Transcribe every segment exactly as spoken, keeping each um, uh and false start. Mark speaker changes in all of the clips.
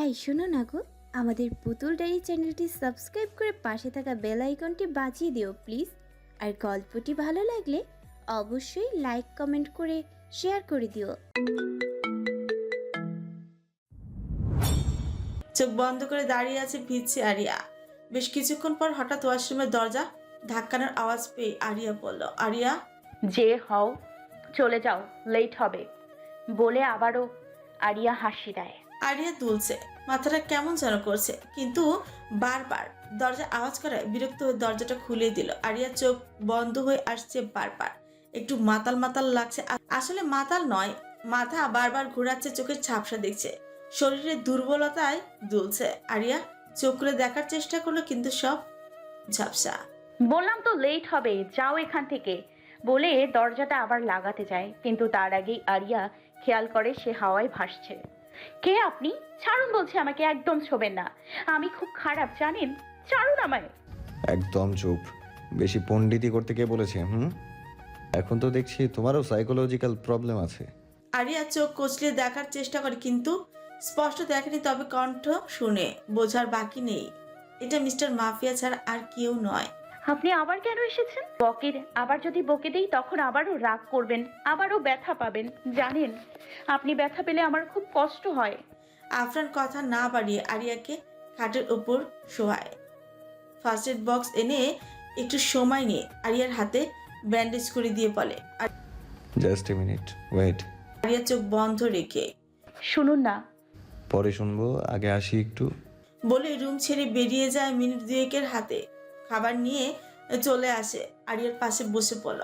Speaker 1: এই শোনো না গো, আমাদের পুতুল ডায়েরি চ্যানেলটি সাবস্ক্রাইব করে পাশে থাকা বেল আইকনটি বাজিয়ে দিও প্লিজ। আর গল্পটি ভালো লাগলে অবশ্যই লাইক কমেন্ট করে শেয়ার করে দিও।
Speaker 2: চোখ বন্ধ করে দাঁড়িয়ে আছে ভিজছে আরিয়া। বেশ কিছুক্ষণ পর হঠাৎ ওয়াশরুমের দরজা ধাক্কানোর আওয়াজ পেয়ে আরিয়া বলল, আরিয়া।
Speaker 3: যে হও, চলে যাও, লেট হবে বলে আবারও আরিয়া হাসি দেয়।
Speaker 2: আরিয়া দুলছে, মাথাটা কেমন যেন করছে, কিন্তু বারবার দরজা আওয়াজ করায় বিরক্ত হয়ে দরজাটা খুলে দিল। আরিয়া চোখ বন্ধ হয়ে আসছে বারবার, একটু মাতাল মাতাল লাগছে। আ- আসলে মাতাল নয়, মাথা বারবার ঘোরাচ্ছে, চোখের ঝাপসা দেখছে, শরীরের দুর্বলতায় দুলছে। আরিয়া চোখ খুলে দেখার চেষ্টা করলো, কিন্তু সব ঝাপসা।
Speaker 3: বললাম তো লেট হবে, যাও এখান থেকে বলে দরজাটা আবার লাগাতে যায়, কিন্তু তার আগেই আরিয়া খেয়াল করে সে হাওয়ায় ভাসছে। কে আপনি? ছাড়ুন বলছে আমাকে, একদম ছোবেন না, আমি খুব খারাপ জানেন, ছাড়ুন আমায়।
Speaker 4: একদম চুপ। বেশি পণ্ডিতি করতে কে বলেছে? হুম, এখন তো দেখছি তোমারও সাইকোলজিক্যাল প্রবলেম আছে।
Speaker 2: আরিয়া চোখ কচলিয়ে দেখার চেষ্টা করে, কিন্তু স্পষ্ট দেখেনি, তবে কণ্ঠ শুনে বোঝার বাকি নেই এটা মিস্টার মাফিয়া ছাড়া আর কেউ নয়।
Speaker 3: আপনি আবার কেন এসেছেন? বকের আবার যদি বকে দেই তখন আবারও রাগ করবেন, আবারও ব্যথা পাবেন, জানেন আপনি ব্যথা পেলে আমার খুব কষ্ট হয়।
Speaker 2: আফরান কথা না বাড়িয়ে আরিয়াকে খাটের উপর শোয়ায়। ফার্স্ট এড বক্স এনে একটু সময় নিয়ে আরিয়ার হাতে ব্যান্ডেজ করে দিয়ে বলে। আর
Speaker 4: just a minute, wait.
Speaker 2: Aria চোখ বন্ধ রেখে
Speaker 3: শুনুন না।
Speaker 4: পরে শুনবো, আগে আসি একটু।
Speaker 2: বলে রুম ছেড়ে বেরিয়ে যায়। মিনিট দুয়েকের হাতে খাবার নিয়ে চলে আসে, আরিয়ার পাশে বসে পড়ল।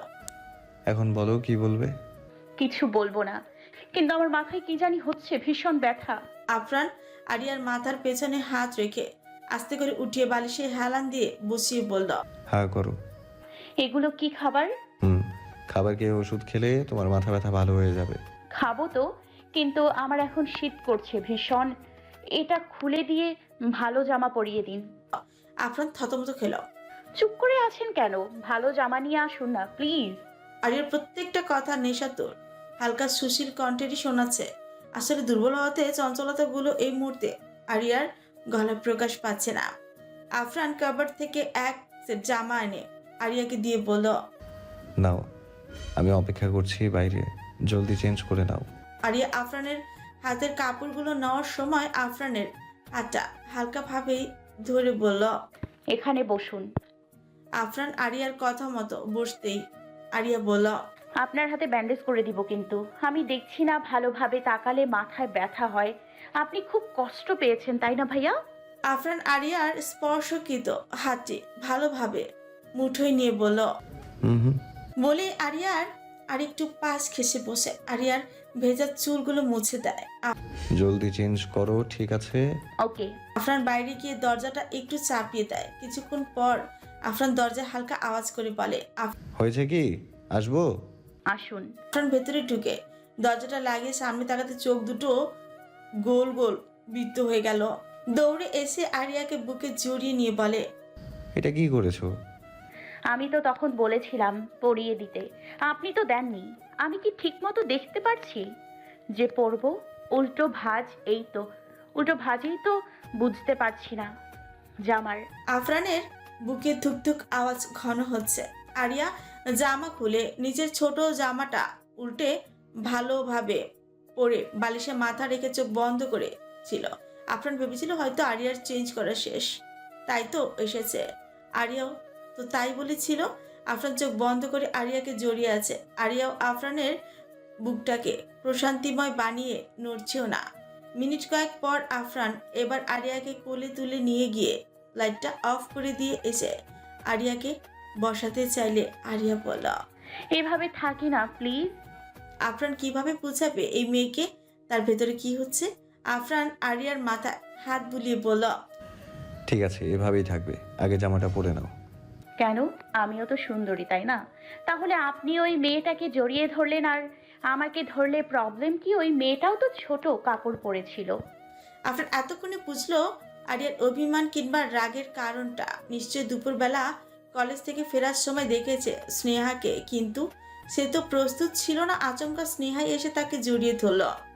Speaker 4: এখন বলো কি বলবে।
Speaker 3: কিছু বলবো না, কিন্তু আমার মাথায় কি জানি হচ্ছে, ভীষণ ব্যথা।
Speaker 2: আফরান আরিয়ার মাথার পেছনে হাত রেখে আস্তে করে উঠিয়ে বালিশে হেলান দিয়ে বসিয়ে বলল,
Speaker 4: হ্যাঁ করো।
Speaker 3: এগুলো কি খাবার?
Speaker 4: হুম, খাবার খেয়ে ওষুধ খেলে তোমার মাথা ব্যথা ভালো হয়ে যাবে।
Speaker 3: খাবো তো, কিন্তু আমার এখন শীত করছে ভীষণ, এটা খুলে দিয়ে ভালো জামা পরিয়ে দিন।
Speaker 2: আফরান থতমত খেল।
Speaker 3: চুপ করে আছেন কেন? ভালো জামা নিয়ে আসুন না প্লিজ।
Speaker 2: আরিয়ার প্রত্যেকটা কথা নেশাতুর, হালকা সুশীল কণ্ঠেরই শোনাচ্ছে। আসলে দুর্বল হতে চঞ্চলতাগুলো এই মুহূর্তে আরিয়ার গলায় প্রকাশ পাচ্ছে না। আফরান কাবার থেকে এক সেট জামা এনে আরিয়াকে দিয়ে বলল,
Speaker 4: নাও, আমি অপেক্ষা করছি বাইরে, জলদি চেঞ্জ করে নাও।
Speaker 2: আরিয়া আফরানের হাতের কাপড়গুলো নেওয়ার সময় আফরানের হাতটা হালকাভাবেই ধরে বলল।
Speaker 3: এখানে বসুন।
Speaker 2: আফরান আরিয়ার কথা মতো বসতেই আরিয়া বলল,
Speaker 3: আপনার হাতে ব্যান্ডেজ করে দিব, কিন্তু আমি দেখছি না ভালোভাবে তাকালে মাথায় ব্যথা হয়। আপনি খুব কষ্ট পেয়েছেন তাই না ভাইয়া?
Speaker 2: আফরান আরিয়ার স্পর্শকৃত হাতটি ভালোভাবে মুঠোয় নিয়ে বলল।
Speaker 4: হুম হুম।
Speaker 2: বলে আরিয়ার আরেকটু পাশ ঘেসে বসে আরিয়ার ভেজা চুলগুলো মুছে দেয়। আ-
Speaker 4: জলদি চেঞ্জ করো, ঠিক আছে?
Speaker 3: ওকে।
Speaker 2: আফরান বাইরে গিয়ে দরজাটা একটু চাপিয়ে দেয়। কিছুক্ষণ পর আফরান দরজায় হালকা আওয়াজ করে বলে,
Speaker 4: হয়েছে কি, আসবো?
Speaker 3: আসুন।
Speaker 2: আফরান ভেতরে ঢুকে দরজাটা লাগিয়ে সামনে তাকাতে চোখ দুটো গোল গোল বৃত্ত হয়ে গেল। দৌড়ে এসে আরিয়াকে বুকে জড়িয়ে নিয়ে বলে,
Speaker 4: এটা কি করেছো?
Speaker 3: আমি তো তখন বলেছিলাম পরিয়ে দিতে, আপনি তো দেননি। আমি কি ঠিক মতো দেখতে পারছি যে পরবো? উল্টো ভাঁজ, এই তো উল্টো ভাঁজেই তো বুঝতে পারছি না জামার।
Speaker 2: আফরানের বুকে ধুকধুক আওয়াজ ঘন হচ্ছে। আরিয়া জামা খুলে নিচের ছোট জামাটা উল্টে ভালোভাবে পরে বালিশে মাথা রেখে চোখ বন্ধ করে ছিল। আফরান ভেবেছিল হয়তো আরিয়ার চেঞ্জ করা শেষ, তাই তো এসেছে। আরিয়াও তো তাই বলেছিল। আফরান চোখ বন্ধ করে আরিয়াকে জড়িয়ে আছে। আরিয়াও আফরানের বুকটাকে প্রশান্তিময় বানিয়ে নড়ছেও না। মিনিট কয়েক পর আফরান এবার আরিয়াকে কোলে তুলে নিয়ে গিয়ে লাইটটা অফ করে দিয়ে এসে আরিয়াকে বসাতে চাইলে আরিয়া বলল,
Speaker 3: এভাবে থাকি না প্লিজ।
Speaker 2: আফরান কিভাবে বুঝাবে এই মেয়েকে তার ভেতরে কি হচ্ছে। আফরান আরিয়ার মাথায় হাত বুলিয়ে বলল,
Speaker 4: ঠিক আছে, এভাবেই থাকবে, আগে জামাটা পরে নাও।
Speaker 3: কেন? আমিও তো সুন্দরী তাই না? তাহলে আপনি ওই মেয়েটাকে জড়িয়ে ধরলেন আর আমাকে ধরলে প্রবলেম কি? ওই মেয়েটাও তো ছোট কাপড় পরেছিল।
Speaker 2: আফরান এতক্ষণে বুঝলো আরিয়ার অভিমান কিংবা রাগের কারণটা। নিশ্চয়ই দুপুরবেলা কলেজ থেকে ফেরার সময় দেখেছে স্নেহাকে, কিন্তু সে তো প্রস্তুত ছিল না। আচমকা স্নেহাই এসে তাকে জড়িয়ে ধরল।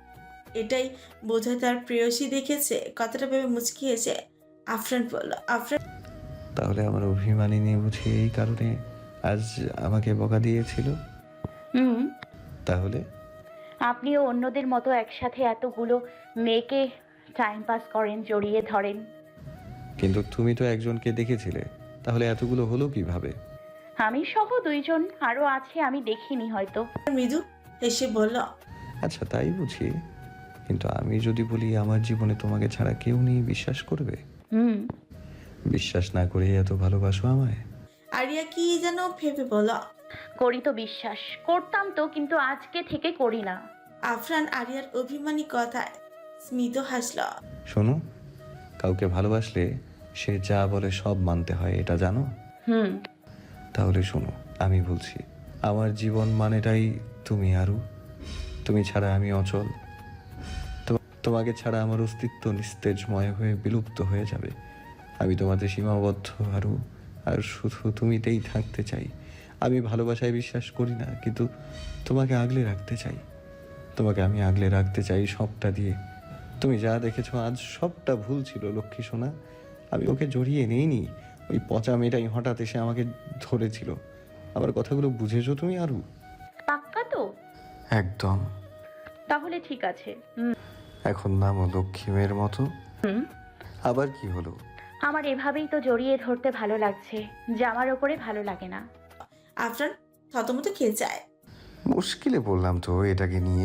Speaker 2: এটাই বোধহয় তার প্রেয়সী দেখেছে। কথাটা ভেবে মুচকিয়েছে। আফরান বলল, আফরান
Speaker 4: তাহলে আমার অভিমানিনী বুঝি এই কারণে আজ আমাকে বকা দিয়েছিল?
Speaker 3: হুম,
Speaker 4: তাহলে
Speaker 3: আপনিও অন্যদের মতো একসাথে এতগুলো মেয়েকে টাইম পাস করেন, জড়িয়ে ধরেন।
Speaker 4: কিন্তু তুমি তো একজনকে দেখেছিলে, তাহলে এতগুলো হলো কিভাবে?
Speaker 3: আমি সহ দুইজন আরো আছে, আমি দেখিনি হয়তো।
Speaker 2: মৃদু হেসে বলল,
Speaker 4: আচ্ছা তাই বুঝি, কিন্তু আমি যদি বলি আমার জীবনে তোমাকে ছাড়া কেউ নেই, বিশ্বাস করবে?
Speaker 3: হুম,
Speaker 4: বিশ্বাস না করে এত ভালোবাসো আমায়?
Speaker 2: আরিয়া কি যেন ভেবে বলল।
Speaker 3: করি তো বিশ্বাস, করতাম তো, কিন্তু আজকে থেকে করি না।
Speaker 2: আফরান আরিয়ার অভিমানী কথায় স্মিত হাসল।
Speaker 4: শোনো, কাউকে ভালোবাসলে সে যা বলে সব মানতে হয়, এটা জানো?
Speaker 3: হুম,
Speaker 4: তাহলে শোনো, আমি বলছি, আমার জীবন মানেটাই তুমি আরু। তুমি ছাড়া আমি অচল। তো- তোমাকে ছাড়া আমার অস্তিত্ব নিস্তেজময় হয়ে বিলুপ্ত হয়ে যাবে। আমি তোমাতে সীমাবদ্ধ আরু, আর শুধু তুমিতেই থাকতে চাই। আমি ভালোবাসায় বিশ্বাস করি না, কিন্তু তোমাকে আগলে রাখতে চাই। তোমাকে আমি আগলে রাখতে চাই সবটা দিয়ে। তুমি যা দেখেছো আজ সবটা ভুল ছিল লক্ষ্মী সোনা। আমি ওকে জড়িয়ে নেইনি, ওই পচা মেয়েটাই হঠাৎ এসে আমাকে ধরেছিল। আমার কথাগুলো বুঝেছো তুমি আরু?
Speaker 3: পাক্কা তো?
Speaker 4: একদম।
Speaker 3: তাহলে ঠিক আছে। হুম,
Speaker 4: এখন নামো লক্ষ্মী মেয়ের মতো।
Speaker 3: হুম,
Speaker 4: আবার কি হলো?
Speaker 3: আমার এভাবেই তো জড়িয়ে ধরতে ভালো লাগছে, জামার ওপরে ভালো লাগে না।
Speaker 2: আফরান থতমত খেয়ে যায়।
Speaker 4: মুশকিলে বললাম তো এটাকে নিয়ে।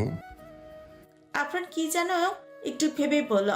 Speaker 2: আফরান কি যেন একটু ভেবে বলল,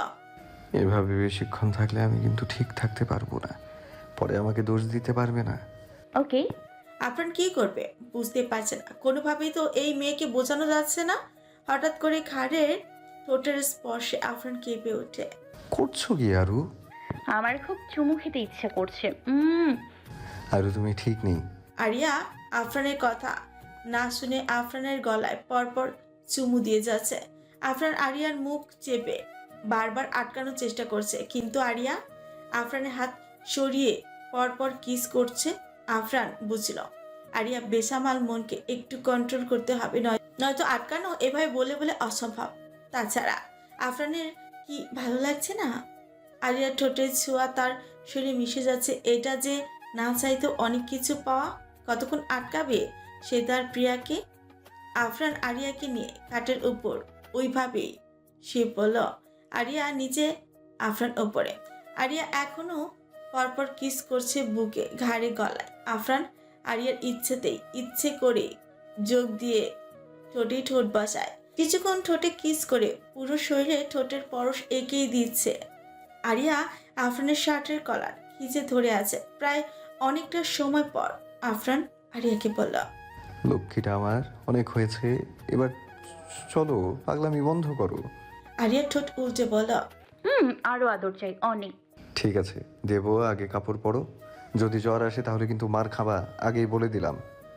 Speaker 4: এভাবে বেশিক্ষণ থাকলে আমি কিন্তু ঠিক থাকতে পারবো না, পরে আমাকে দোষ দিতে পারবে না।
Speaker 3: ওকে।
Speaker 2: আফরান কি করবে বুঝতে পারছে না। কোনোভাবেই তো এই মেয়েকে বোঝানো যাচ্ছে না। হঠাৎ করে ঘাড়ের ঠোঁটের স্পর্শে আফরান কেঁপে ওঠে।
Speaker 4: করছো কি আরু?
Speaker 3: আমার খুব চুমু খেতে ইচ্ছা করছে। উম
Speaker 4: আরু তুমি ঠিক নেই।
Speaker 2: আরিয়া আফরানের কথা না শুনে আফরানের গলায় পরপর চুমু দিয়ে যাচ্ছে। আফরান আরিয়ার মুখ চেপে বারবার আটকানোর চেষ্টা করছে, কিন্তু আরিয়া আফরানের হাত সরিয়ে পরপর কিস করছে। আফরান বুঝল আরিয়া বেসামাল মনকে একটু কন্ট্রোল করতে হবে, নয় নয়তো আটকানো এভাবে বলে বলে অসম্ভব। তাছাড়া আফরানের কি ভালো লাগছে না? আরিয়ার ঠোঁটের ছোঁয়া তার শরীরে মিশে যাচ্ছে। এটা যে না চাইতেও অনেক কিছু পাওয়া। কতক্ষণ আটকাবে সে তার প্রিয়াকে? আফরান আরিয়াকে নিয়ে খাটের উপর ওইভাবেই সে বলল। আরিয়া নিচে, আফরান ওপরে। আরিয়া এখনো পরপর কিস করছে বুকে, ঘাড়ে, গলায়। আফরান আরিয়ার ইচ্ছেতেই ইচ্ছে করে যোগ দিয়ে ঠোঁটে ঠোঁট বসায়। কিছুক্ষণ ঠোঁটে কিস করে পুরো শরীরে ঠোঁটের পরশ এঁকেই দিচ্ছে। আরিয়া আফরানের শার্টের কলার খিচে ধরে আছে। প্রায় অনেকটা সময় পর আফরান আরিয়াকে বলল,
Speaker 4: লক্ষ্মীটা আমার, অনেক হয়েছে, এবার চলো, পাগলামি বন্ধ করো।
Speaker 2: আরিয়া ঠোঁট উল্টে বলল,
Speaker 3: হুম, আরো আদর চাই, অনেক।
Speaker 4: ঠিক আছে দেবো, আগে কাপড় পরো। যদি জ্বর আসে তাহলে কিন্তু মার খাবা, আগেই বলে দিলাম।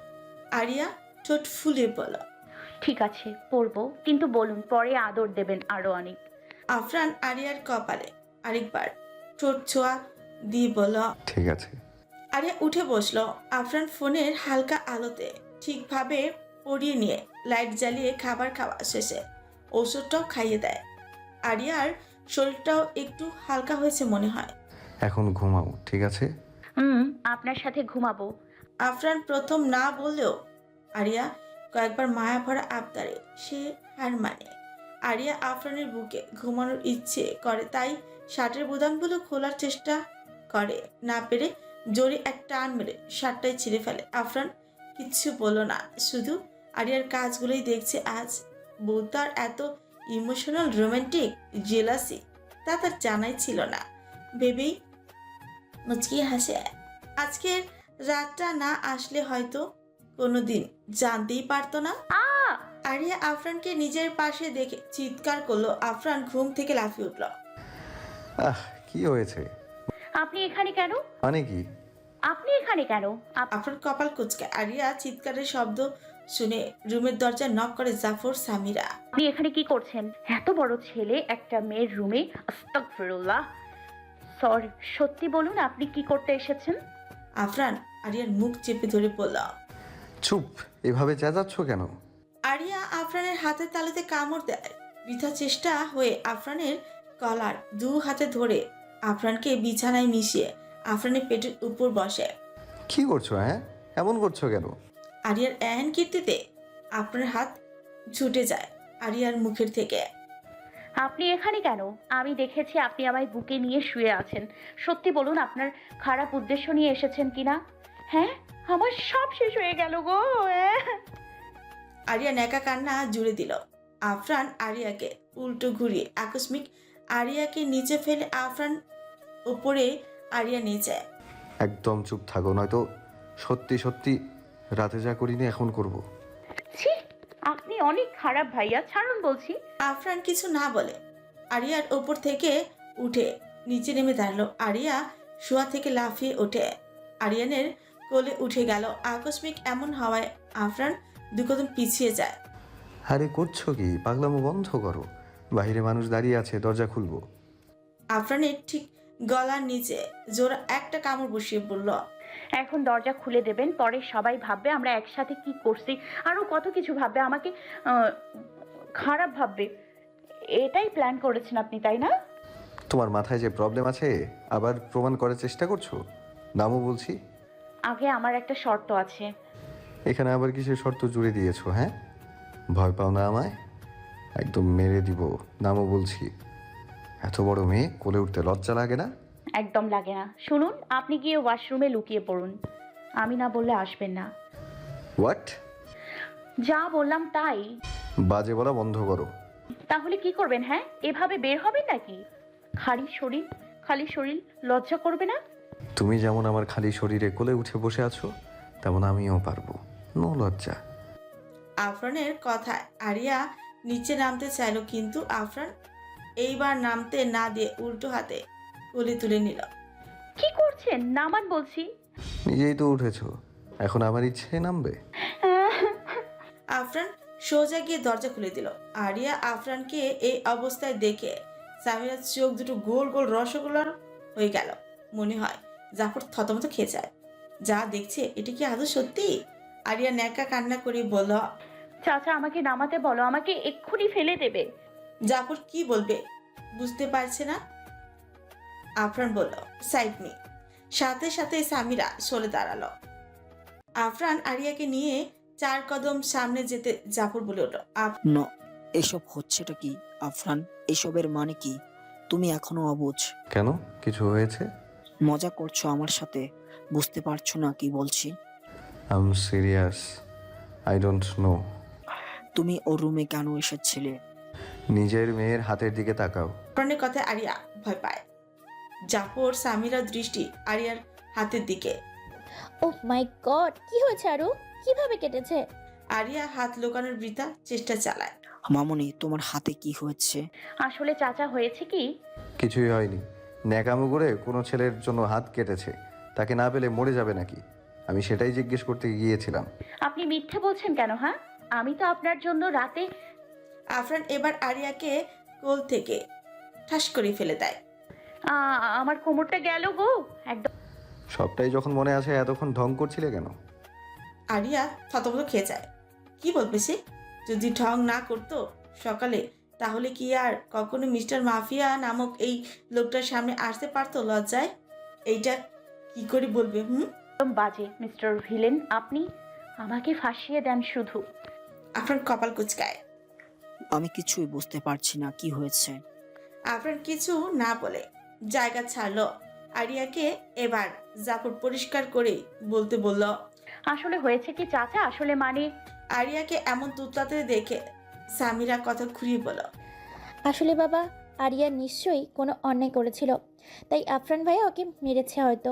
Speaker 2: আরিয়া ঠোঁট ফুলে বলল।
Speaker 3: ঠিক আছে, পরবো, কিন্তু বলুন পরে আদর দেবেন আরো অনেক।
Speaker 2: আফরান আরিয়ার কপালে আরেকবার ঠোঁট ছোঁয়া দিয়ে বলল।
Speaker 4: ঠিক আছে।
Speaker 2: আরিয়া উঠে বসলো। আফরান ফোনের হালকা আলোতে ঠিকভাবে পরিয়ে নিয়ে লাইট জ্বালিয়ে খাবার খাওয়া শেষে ওষুধটাও খাইয়ে দেয়। আরিয়ার শরীরটাও একটু হালকা হয়েছে মনে হয়।
Speaker 4: এখন ঘুমাও, ঠিক আছে?
Speaker 3: হুম, আপনার সাথে ঘুমাবো।
Speaker 2: আফরান প্রথম না বললেও আরিয়া কয়েকবার মায়া ভরা আবদারে সে হার মানে। আরিয়া আফরানের বুকে ঘুমানোর ইচ্ছে করে, তাই শার্টের বোতামগুলো খোলার চেষ্টা করে। না পেরে জোরে এক টান মেরে শার্টটাই ছিঁড়ে ফেলে। আফরান কিচ্ছু বলল না, শুধু আরিয়ার কাজগুলোই দেখছে। আজ বউ তার এত ইমোশনাল, রোমান্টিক, জেলাসি তা তার জানাই ছিল না ভেবেই মুচকিয়ে হাসে। আজকের রাতটা না আসলে হয়তো কোনোদিন জানতেই পারতো না।
Speaker 3: আ
Speaker 2: আরিয়া আফরানকে নিজের পাশে দেখে চিৎকার করলো। আফরান ঘুম থেকে লাফিয়ে উঠল।
Speaker 4: আহ কি হয়েছে?
Speaker 3: আপনি এখানে কেন?
Speaker 4: মানে কি?
Speaker 3: আপনি এখানে কেন? আপ-
Speaker 2: আফরান কপাল কুঁচকে। আরিয়া চিৎকারের শব্দ শুনে রুমের দরজা নক করে জাফর সামিরা।
Speaker 3: আপনি এখানে কি করছেন? এত বড় ছেলে একটা মেয়ের রুমে? আস্তাগফিরুল্লাহ। সরি, সত্যি বলুন আপনি কি করতে এসেছেন?
Speaker 2: আফরান আরিয়ার মুখ চেপে ধরে বলল।
Speaker 4: চুপ, এভাবে চেঁচাচ্ছ কেন?
Speaker 2: আরিয়া আফরানের হাতের তালুতে কামড় দেয়। বৃথা চেষ্টা হয়ে আফরানের কলার দু হাতে ধরে আফরানকে বিছানায় মিশিয়ে আফরানের পেটের উপর বসে।
Speaker 4: কি করছো হ্যাঁ? এমন করছো কেন?
Speaker 2: আরিয়ার এহেন কীর্তিতে আপনার হাত ছুটে যায় আরিয়ার মুখের থেকে।
Speaker 3: আপনি এখানে কেন? আমি দেখেছি আপনি আমায় বুকে নিয়ে শুয়ে আছেন। সত্যি বলুন, আপনার খারাপ উদ্দেশ্য নিয়ে এসেছেন কিনা? হ্যাঁ, আমার সব শেষ হয়ে গেল গো। আহ!
Speaker 2: আরিয়া ন্যাকা কান্না জুড়ে দিল। আফরান আরিয়াকে উল্টো ঘুরিয়ে আকস্মিক আরিয়াকে নিচে ফেলে আফরান উপরে আরিয়া নিচে।
Speaker 4: একদম চুপ থাকো, নয়তো সত্যি সত্যি রাতে যা করিনি এখন করব।
Speaker 3: ছি, আপনি অনেক খারাপ ভাইয়া, ছাড়ুন বলছি।
Speaker 2: আফরান কিছু না বলে আরিয়ার ওপর থেকে উঠে নিচে নেমে দাঁড়ালো। আরিয়া শোয়া থেকে লাফিয়ে ওঠে আরিয়ানের কোলে উঠে গেল। আকস্মিক এমন হওয়ায় আফরান দু কদম পিছিয়ে যায়।
Speaker 4: আরে করছো কি? পাগলামো বন্ধ করো, বাইরে মানুষ দাঁড়িয়ে আছে, দরজা খুলবো।
Speaker 2: আফরানের ঠিক গলার নিচে জোরা একটা কামড় বসিয়ে বলল,
Speaker 3: এখন দরজা খুলে দেবেন, পরে সবাই ভাববে আমরা একসাথে কি করছি, আরো কত কিছু ভাববে, আমাকে আহ, খারাপ ভাববে। এটাই প্ল্যান করেছেন আপনি, তাই না?
Speaker 4: তোমার মাথায় যে প্রবলেম আছে আবার প্রমাণ করার চেষ্টা করছো? নামও বলছি।
Speaker 3: আগে আমার একটা শর্ত আছে।
Speaker 4: এখানে আবার কিসের শর্ত জুড়ে দিয়েছো? হ্যাঁ, ভয় পাও না আমায়? একদম মেরে দিব। নামও বলছি। এত বড় মেয়ে, কোলে উঠতে লজ্জা লাগে না?
Speaker 3: একদম লাগে না। শুনুন, আপনি গিয়ে ওয়াশরুমে লুকিয়ে পড়ুন, আমি না বললে আসবেন না।
Speaker 4: হোয়াট?
Speaker 3: যা বললাম তাই।
Speaker 4: বাজে বলা বন্ধ করো।
Speaker 3: তাহলে কি করবেন? হ্যাঁ, এভাবে বের হবেন নাকি? খালি শরীর, খালি শরীর, লজ্জা করবে না?
Speaker 4: তুমি যেমন আমার খালি শরীরে কোলে উঠে বসে আছো, তেমন আমিও পারবো। নো লজ্জা।
Speaker 2: আফরানের কথায় আরিয়া নিচে নামতে চাইল, কিন্তু আফরান এইবার নামতে না দিয়ে উল্টো হাতে কোলে তুলে নিল।
Speaker 3: কি করছেন? নামান বলছি।
Speaker 4: নিজেই তো উঠেছো, এখন আমার ইচ্ছে নামবে?
Speaker 2: আফরান সোজা গিয়ে দরজা খুলে দিল। আরিয়া আফরানকে এই অবস্থায় দেখে সামিরার চোখ দুটো গোল গোল রসগোল্লার হয়ে গেল। মনে হয় জাফর থতমত খেয়ে যায়। যা দেখছে এটা কি আদৌ সত্যি? আরিয়া ন্যাকা কান্না করে বলল,
Speaker 3: চাচা আমাকে নামাতে বলো, আমাকে এক্ষুনি ফেলে দেবে।
Speaker 2: জাফর কি বলবে বুঝতে পারছে না। আফরান বলল, সাইড মি। সাথে সাথে সামিরা সরে দাঁড়ালো। আফরান আরিয়াকে নিয়ে চার কদম সামনে যেতে জাফর বলে উঠল,
Speaker 5: ন এসব হচ্ছেটা কি আফরান? এসবের মানে কি? তুমি এখনো অবুঝ?
Speaker 4: কেন, কিছু হয়েছে?
Speaker 5: মজা করছো আমার সাথে? বুঝতে পারছো না কি বলছি?
Speaker 4: I am serious, I don't know.
Speaker 5: তুমি ওর রুমে কেন এসেছিলে?
Speaker 4: নিজের মেয়ের হাতের দিকে তাকাও।
Speaker 2: আফরানের কথায় আরিয়া ভয় পায়। জাফর সামিরার দৃষ্টি আরিয়ার হাতের দিকে।
Speaker 1: ও মাই গড, কি হয়েছে আরু? কিভাবে কেটেছে?
Speaker 2: আরিয়া হাত লুকানোর বৃথা চেষ্টা চালায়।
Speaker 5: মামনি, তোমার হাতে কি হয়েছে?
Speaker 3: আসলে চাচা, হয়েছে কি,
Speaker 4: কিছুই হয়নি। ন্যাকামো করে কোনো ছেলের জন্য হাত কেটেছে, তাকে না পেলে মরে যাবে নাকি? আমি সেটাই জিজ্ঞেস করতে গিয়েছিলাম।
Speaker 3: আপনি মিথ্যে বলছেন কেন? হ্যাঁ, আমি তো আপনার জন্য রাতে।
Speaker 2: আফরান এবার আরিয়াকে কোল থেকে ঠাস করে ফেলে দেয়।
Speaker 3: আ- আমার কোমরটা গেল গো একদম।
Speaker 4: সবটাই যখন মনে আছে, এতক্ষণ ঢং করছিলে কেন?
Speaker 2: আরিয়া থতমত খেয়ে যায়। কি বলবে সে? যদি ঢং না করতো সকালে, তাহলে কি আর কখনো মিস্টার মাফিয়া নামক এই লোকটার সামনে আসতে পারতো লজ্জায়? এইটা কি করে বলবে? হুম
Speaker 3: একদম বাজে মিস্টার ভিলেন, আপনি আমাকে ফাঁসিয়ে দেন শুধু।
Speaker 2: আফরান কপাল কুচকায়।
Speaker 5: আমি কিছুই বুঝতে পারছি না কি হয়েছে।
Speaker 2: আফরান কিছু না বলে জায়গা ছাড়লো। আরিয়াকে এবার জাফর পরিষ্কার করে বলতে বলল।
Speaker 3: আসলে হয়েছে কি চাচা, আসলে মানে।
Speaker 2: আরিয়াকে এমন তুতলাতে দেখে সামিরা কথা ঘুরিয়ে বলল,
Speaker 1: আসলে বাবা, আরিয়া নিশ্চয়ই কোনো অন্যায় করেছিল, তাই আফরান ভাইয়া ওকে মেরেছে হয়তো।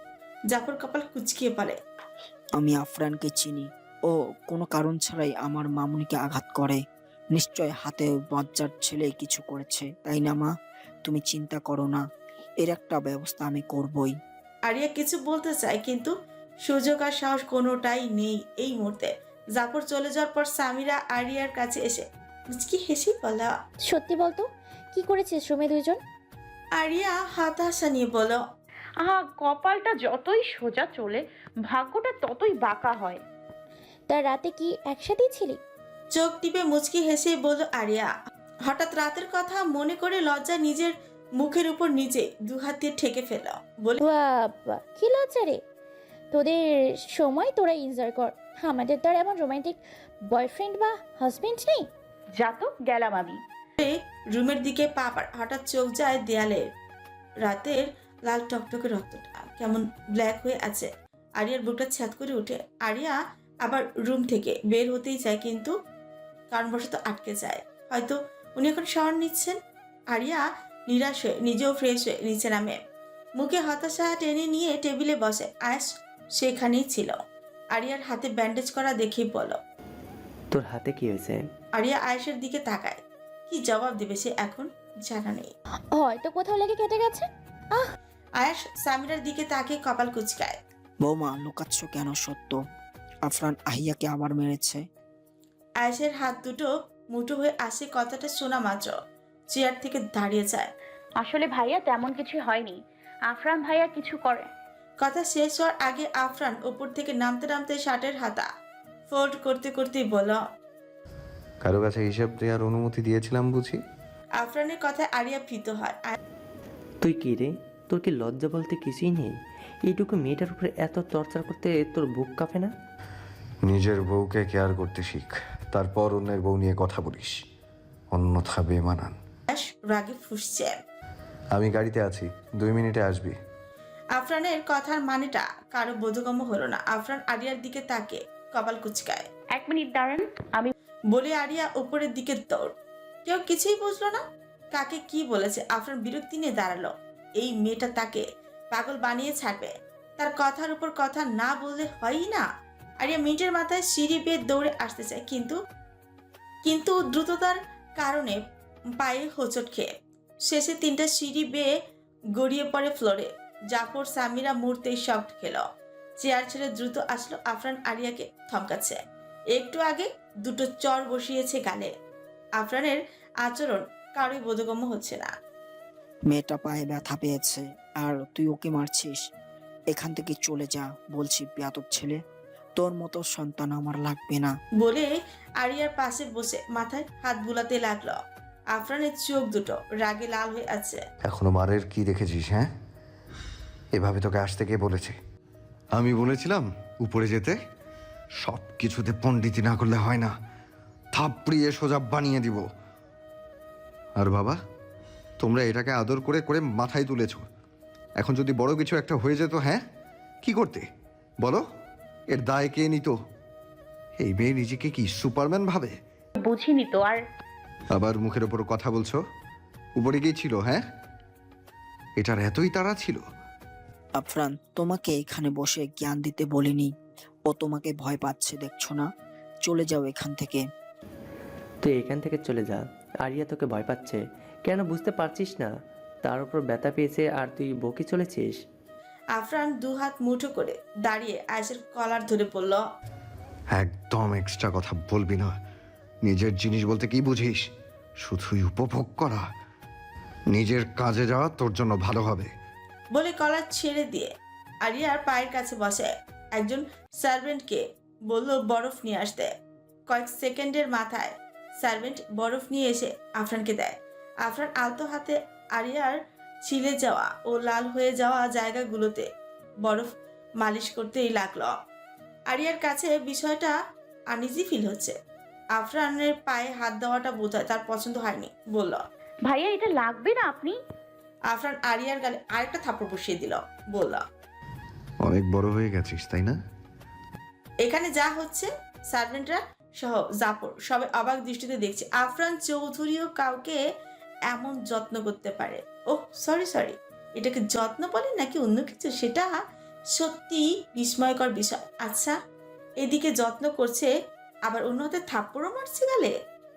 Speaker 2: জাফর কপাল কুচকিয়ে বলে,
Speaker 5: আমি আফরানকে চিনি। ও কোনো কারণ ছাড়াই আমার মামুনিকে আঘাত করে। নিশ্চয় হাতে বাচ্চার ছেলে কিছু করেছে, তাই না মা? তুমি চিন্তা করো না, এর একটা ব্যবস্থা আমি করবই।
Speaker 2: আরিয়া কিছু বলতে চায়, কিন্তু সুযোগ আর সাহস কোনোটাই নেই এই মুহূর্তে। জাফর চলে যাওয়ার পর সামিরা আরিয়ার কাছে এসে মুচকি হেসে বলল,
Speaker 1: সত্যি বলতো, কি করেছিস রুমে দুইজন?
Speaker 2: আরিয়া হতাশা নিয়ে বলল,
Speaker 3: আহা, কপালটা যতই সোজা চলে, ভাগ্যটা ততই বাঁকা হয়।
Speaker 1: তার রাতে কি একসাথেই ছিলি?
Speaker 2: চোখ টিপে মুচকি হেসে বলল আরিয়া। হঠাৎ রাতের কথা মনে করে লজ্জা নিজের মুখের উপর নিজে দুহাত দিয়ে ঠেকে ফেল। বলে,
Speaker 6: বাবা কি লজ্জা রে, তোদের সময় তোরা এনজয় কর, আমাদের তো আর এমন রোমান্টিক বয়ফ্রেন্ড বা হাজবেন্ড নেই।
Speaker 3: যা তো, গেলাম আমি।
Speaker 2: রুমের দিকে পা পাড় হঠাৎ চোখ যায় দেয়ালে। রাতের লাল টকটকে রক্তটা কেমন ব্ল্যাক হয়ে আছে। আরিয়ার বুকটা ছ্যাদ করে উঠে। আরিয়া আবার রুম থেকে বের হতেই চায়, কিন্তু কারণবশত আটকে যায়। হয়তো উনি এখন শাওয়ার নিচ্ছেন। আরিয়া নিরাশ হয়ে নিজেও ফ্রেশ হয়ে নিচে নামে। মুখে হতাশা টেনে নিয়ে টেবিলে বসে। আয়েশ সেখানেই ছিল। আরিয়ার হাতে ব্যান্ডেজ করা দেখেই বলো,
Speaker 7: তোর হাতে কি হয়েছে?
Speaker 2: আরিয়া আয়েশের দিকে তাকায়। কি জবাব দেবে সে এখন জানা নেই।
Speaker 6: হয়তো কোথাও লেগে কেটে গেছে।
Speaker 2: আয়েশ সামিরার দিকে তাকে কপাল কুচকায়।
Speaker 5: বৌমা লুকাচ্ছ কেন? সত্য আফরান আহিয়াকে আবার মেরেছে।
Speaker 2: আয়েশের হাত দুটো মুঠো হয়ে আসে। কথাটা শোনা মাত্র চেয়ার থেকে দাঁড়িয়ে যায়।
Speaker 3: আসলে ভাইয়া তেমন কিছু হয়নি, আফরান ভাইয়া কিছু করে।
Speaker 2: কথা শেষ হওয়ার আগে আফরান উপর থেকে নামতে নামতে শার্টের হাতা ফোল্ড করতে করতেই বলল,
Speaker 4: কারো কাছে হিসাব দেওয়ার অনুমতি দিয়েছিলাম বুঝি?
Speaker 2: আফরানের কথায় আরিয়া ভীত হয়।
Speaker 7: তুই কি রে, তোর কি লজ্জা বলতে কিছুই নেই? এইটুকু মেয়েটার উপরে এত টর্চার করতে তোর বুক কাঁপে না?
Speaker 4: নিজের বউকে কেয়ার করতে শিখ, তারপর অন্যের বউ নিয়ে কথা বলিস, অন্যথা বেমানান।
Speaker 2: আয়েশ রাগে ফুঁসছে।
Speaker 4: আমি গাড়িতে আছি, দুই মিনিটে আসবি।
Speaker 2: আফরানের কথার মানেটা কারো বোধগম্য হলো না। আফরান আরিয়ার দিকে তাকে কপাল কুচকায়।
Speaker 3: এক মিনিট দাঁড়ান, আমি
Speaker 2: বলে আরিয়া উপরের দিকে দৌড়। কেউ কিছুই বুঝলো না কাকে কি বলেছে। আফরান বিরক্তি নিয়ে দাঁড়ালো। এই মেয়েটা তাকে পাগল বানিয়ে ছাড়বে। তার কথার উপর কথা না বললে হয়ই না। আরিয়া মিনিটের মাথায় সিঁড়ি বেয়ে দৌড়ে আসতে চায়, কিন্তু কিন্তু দ্রুততার কারণে পায়ে হোঁচট খেয়ে শেষে তিনটা সিঁড়ি বেয়ে গড়িয়ে পড়ে ফ্লোরে। জাফর সামিরা মুহূর্তেই শক খেল। চেয়ার ছেড়ে দ্রুত আসলো। আফরান আরিয়াকে থমকাচ্ছে। একটু আগে দুটো চর বসিয়েছে গালে। আফরানের আচরণ কারোই বোধগম্য হচ্ছে না।
Speaker 5: মেয়েটা পায়ে ব্যথা পেয়েছে আর তুই ওকে মারছিস। এখান থেকে চলে যা বলছি, বেয়াদব ছেলে। তোর মতো সন্তান আমার লাগবে না।
Speaker 2: বলে আরিয়ার পাশে বসে মাথায় হাত বুলাতে লাগলো। আফরানের চোখ দুটো রাগে লাল হয়ে আছে।
Speaker 4: এখনো মারের কি দেখেছিস? হ্যাঁ, এভাবে তোকে আসতে কে বলেছে? আমি বলেছিলাম উপরে যেতে? সব কিছুতে পণ্ডিতি না করলে হয় না, থাপড়িয়ে সোজা বানিয়ে দিব। আর বাবা, তোমরা এটাকে আদর করে করে মাথায় তুলেছ। এখন যদি বড় কিছু একটা হয়ে যেত, হ্যাঁ কি করতে বলো? এর দায় কে নিত? এই মেয়ে নিজেকে কি সুপারম্যান ভাবে?
Speaker 3: বুঝিনি তো। আর
Speaker 4: আবার মুখের ওপর কথা বলছো। উপরে গিয়েছিল? হ্যাঁ, এটার এতই তাড়া ছিল?
Speaker 5: আফরান তোমাকে এখানে বসে জ্ঞান দিতে বলিনি। ও তোমাকে ভয় পাচ্ছে, দেখছো না? চলে যাও এখান থেকে।
Speaker 7: তুই এখান থেকে চলে যা। আরিয়া তোকে ভয় পাচ্ছে কেন বুঝতে পারছিস না? তার উপর ব্যথা পেয়েছে আর তুই বকে চলেছিস।
Speaker 2: আফরান দু হাত মুঠো করে দাঁড়িয়ে আয়েশের কলার ধরে বলল,
Speaker 4: একদম এক্সট্রা কথা বলবি না। নিজের জিনিস বলতে কি বুঝিস? শুধুই উপভোগ করা। নিজের কাজে যাওয়া তোর জন্য ভালো হবে।
Speaker 2: বলে কলার ছেড়ে দিয়ে আরিয়ার পায়ের কাছে বসে। একজন সার্ভেন্টকে বলল বরফ নিয়ে আসতে। কয়েক সেকেন্ডের মাথায় সার্ভেন্ট বরফ নিয়ে এসে আফরানকে দেয়। আফরান আলতো হাতে আরিয়ার ছিলে যাওয়া ও লাল হয়ে যাওয়া জায়গাগুলোতে বরফ মালিশ করতেই লাগলো। আরিয়ার কাছে বিষয়টা আনইজি ফিল হচ্ছে। আফরানের পায়ে হাত দেওয়াটা বোধহয় তার পছন্দ হয়নি। বলল,
Speaker 3: ভাইয়া এটা লাগবে না আপনি।
Speaker 2: আফরান আরিয়ার গালে আরেকটা থাপড় বসিয়ে দিল। বলল,
Speaker 4: অনেক বড় হয়ে গেছিস তাই না?
Speaker 2: এখানে যা হচ্ছে সার্ভেন্টরা সহ জাফর সবাই অবাক দৃষ্টিতে দেখছে। আফরান চৌধুরীও কাউকে এমন যত্ন করতে পারে। ওহ সরি সরি এটাকে যত্ন বলে নাকি অন্য কিছু, সেটা সত্যি বিস্ময়কর বিষয়। আচ্ছা, এদিকে যত্ন করছে আবার অন্য হাতে থাপ্পড়ও মারছে গালে,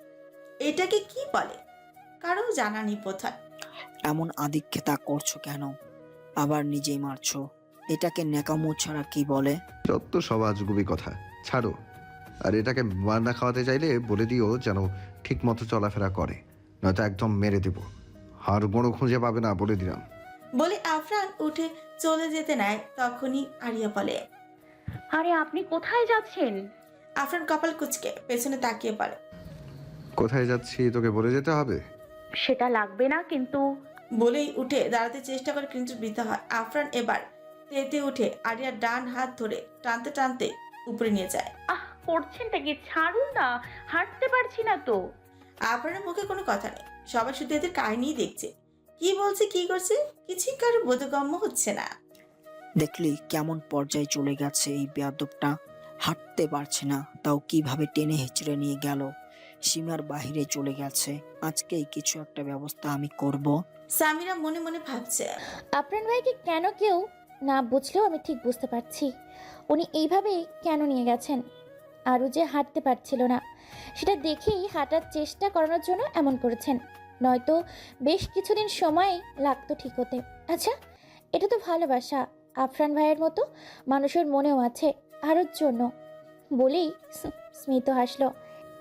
Speaker 2: এটাকে কি বলে? কারো জানা নেই বোধহয়।
Speaker 5: এমন আদিক্ষেতা করছো কেন? আবার নিজেই মারছো। এটাকে নেকামো ছাড়া কি বলে?
Speaker 4: যত সব আজগুবি কথা ছাড়ো। আর এটাকে মান্না খাওয়াতে চাইলে বলে দিও যেন ঠিক মতো চলাফেরা করে, নয়তো একদম মেরে দেব। হাড় গোড়ো খুঁজে পাবে না, বলে দিলাম।
Speaker 2: বলে আফরান উঠে চলে যেতে নেয়। তখনই আরিয়া বলে,
Speaker 3: আরে আপনি কোথায় যাচ্ছেন?
Speaker 2: আফরান কপাল কুচকে পেছনে তাকিয়ে পড়ে।
Speaker 8: কোথায় যাচ্ছি তোকে বলে যেতে হবে?
Speaker 3: সেটা লাগবে না, কিন্তু
Speaker 2: বলেই উঠে দাঁড়াতে চেষ্টা করে কিন্তু বৃথা হয়। আফরান এবার তেতে উঠে আরিয়ার ডান হাত ধরে টানতে টানতে উপরে নিয়ে যায়।
Speaker 3: আহ করছেনটা কি? ছাড়ুন না, হাঁটতে পারছি না তো।
Speaker 2: আফরানের মুখে কোনো কথা নেই, সবাই শুধু এদের কাহিনী দেখছে। কি বলছে কি করছে কিছুই কারো বোধগম্য হচ্ছে না।
Speaker 5: দেখলি কেমন পর্যায়ে চলে গেছে এই বেয়াদবটা। হাঁটতে পারছে না, তাও কিভাবে টেনে হেঁচড়ে নিয়ে গেল। সীমার বাহিরে চলে গেছে। আজকেই কিছু একটা ব্যবস্থা আমি করব।
Speaker 2: সামিরা মনে মনে ভাবছে।
Speaker 6: আফরান ভাইকে কেন কেউ না বুঝলেও আমি ঠিক বুঝতে পারছি উনি এইভাবেই কেন নিয়ে গেছেন। আরও যে হাঁটতে পারছিল না সেটা দেখেই হাঁটার চেষ্টা করানোর জন্য এমন করেছেন, নয়তো বেশ কিছুদিন সময় লাগতো ঠিক হতে। আচ্ছা, এটা তো ভালোবাসা। আফরান ভাইয়ের মতো মানুষের মনেও আছে আরোর জন্য, বলেই স্মিত হাসলো।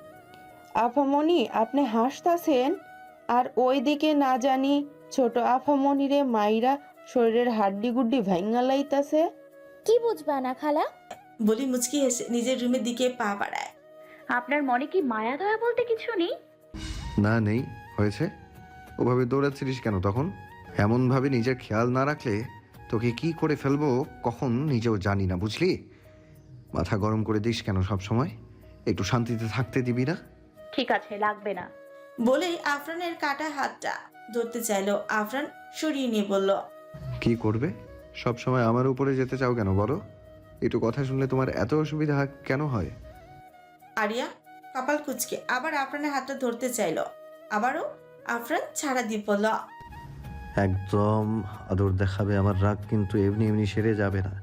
Speaker 9: আফামনি আপনি হাসতাছেন, আর ওই দিকে না জানি ছোট আফামনিরে মাইরা শরীরের হাড্ডি গুড্ডি ভাঙ্গা লাইতাছে।
Speaker 6: কি বুঝবা না খালা?
Speaker 2: বলি মুচকি হেসে নিজের রুমের দিকে পা বাড়ায়।
Speaker 3: আপনার মনে কি মায়া দয়া বলতে কিছু নেই?
Speaker 8: না নেই, হয়েছে। ওভাবে দৌড়াচ্ছিলিস কেন তখন? এমনভাবে নিজের খেয়াল না রাখলে তোকে কি করে ফেলবো কখন নিজেও জানি না, বুঝলি? মাথা গরম করে দিস কেন সব সময়? একটু শান্তিতে থাকতে দিবি না?
Speaker 3: ঠিক আছে, লাগবে না।
Speaker 2: বলেই আফরানের কাটা হাতটা ধরতে চাইলো। আফরান সরিয়ে নিয়ে বলল,
Speaker 8: কি করবে? সব সময় আমার উপরে যেতে চাও কেন বলো? একটু কথা শুনলে তোমার এত অসুবিধা কেন হয়?
Speaker 2: আরিয়া কপাল কুচকে আবার আফরানের হাতটা ধরতে চাইলো। আবারও আফরান ছাড়া দিয়ে বলল,
Speaker 4: একদম আদর দেখাবে। আমার রাগ কিন্তু এমনি এমনি সেরে যাবে না।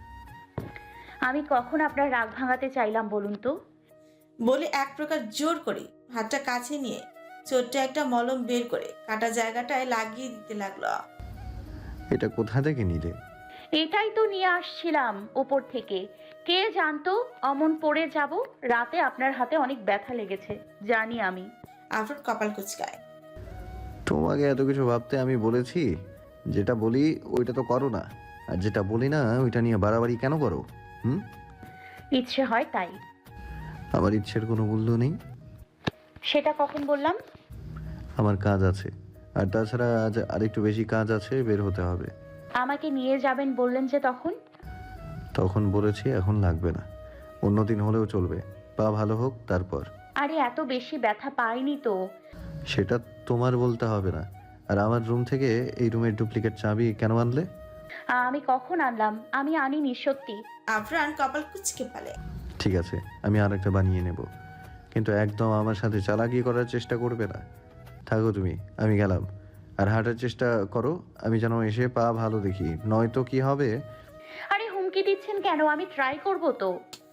Speaker 3: আমি কখন আপনার রাগ ভাঙাতে চাইলাম বলুন তো?
Speaker 2: বলে এক প্রকার জোর করে হাতটা কাছে নিয়ে ছোট্ট একটা মলম বের করে কাটা জায়গাটায় লাগিয়ে দিতে লাগলো।
Speaker 4: এটা কোথা থেকে নিলে?
Speaker 3: এটাই তো নিয়ে আসছিলাম ওপর থেকে। কে জানতো অমন পড়ে যাব। রাতে আপনার হাতে অনেক ব্যথা লেগেছে, জানি আমি।
Speaker 2: আফরান কপাল কুচকায়।
Speaker 4: তোমাকে এত কিছু ভাবতে আমি বলেছি? যেটা বলি ওইটা তো করো না, আর যেটা বলি না ওইটা নিয়ে বাড়াবাড়ি কেন করো? হুম?
Speaker 3: ইচ্ছে হয় তাই।
Speaker 4: আমার ইচ্ছের কোনো মূল্য নেই।
Speaker 3: সেটা কখন বললাম?
Speaker 4: আমার কাজ আছে, আর তাছাড়া আজ আরেকটু বেশি কাজ আছে, বের হতে হবে।
Speaker 3: আমাকে নিয়ে যাবেন বললেন যে তখন?
Speaker 4: তখন বলেছি, এখন লাগবে না। অন্যদিন হলেও চলবে, পা ভালো হোক তারপর।
Speaker 3: আরে এত বেশি ব্যথা পাইনি তো।
Speaker 4: সেটা তোমার বলতে হবে না। আর আমার রুম থেকে এই রুমের ডুপ্লিকেট চাবি কেন আনলে?
Speaker 3: আমি কখন আনলাম? আমি আনিনি সত্যি।
Speaker 2: আফরান কপাল কুচকে ফেলে।
Speaker 4: ঠিক আছে, আমি আর একটা বানিয়ে নেব, কিন্তু একদম আমার সাথে চালাকি করার চেষ্টা করবে না। থাকো তুমি, আমি গেলাম। আর হাঁটার চেষ্টা করো, আমি যেন এসে পা ভালো দেখি, নয়তো কি হবে।
Speaker 3: আরে হুমকি দিচ্ছেন কেন? আমি ট্রাই করব তো।